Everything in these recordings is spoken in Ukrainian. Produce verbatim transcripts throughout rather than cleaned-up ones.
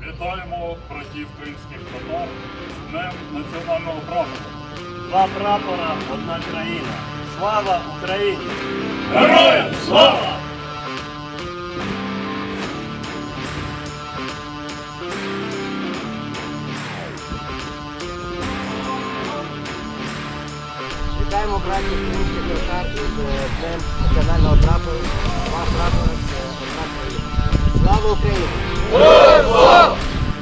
Вітаємо братів кримських татар з Днем національного прапора. Два прапора, одна країна. Слава Україні! Героям слава! Вітаємо братів кримських татар із Днем національного прапору. Два прапора – це одна країна. Слава Україні! Героям слава!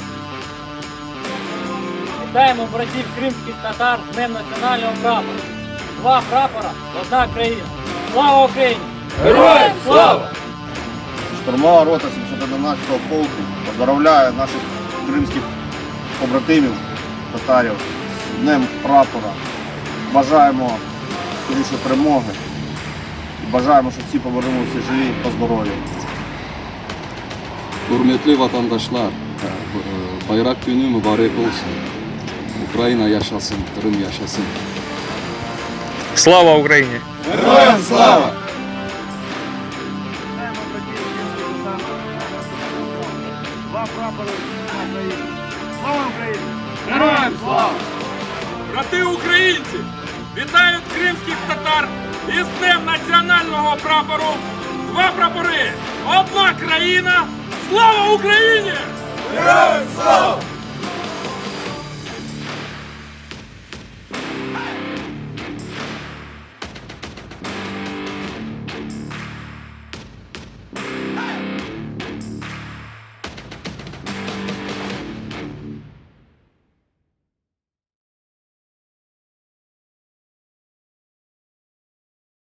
Вітаємо братів кримських татар з Днем національного прапора. Два прапора, одна країна. Слава Україні! Героям слава! Штурмова рота сімсот одинадцятого полку поздравляє наших кримських побратимів, татарів з Днем прапора. Бажаємо скоріше перемоги і бажаємо, щоб всі повернулися живі та здорові. Hürmetli vatandaşlar, bayrak günü mübarek olsun. Ukrayna yaşasın, Kırım yaşasın. Слава Україні! Героям слава! Два прапори, одна країна. Слава Україні! Героям слава! Брати українці, вітають кримських татар із Днем національного прапору. Два прапори, одна країна. Слава Україні! Героям слава!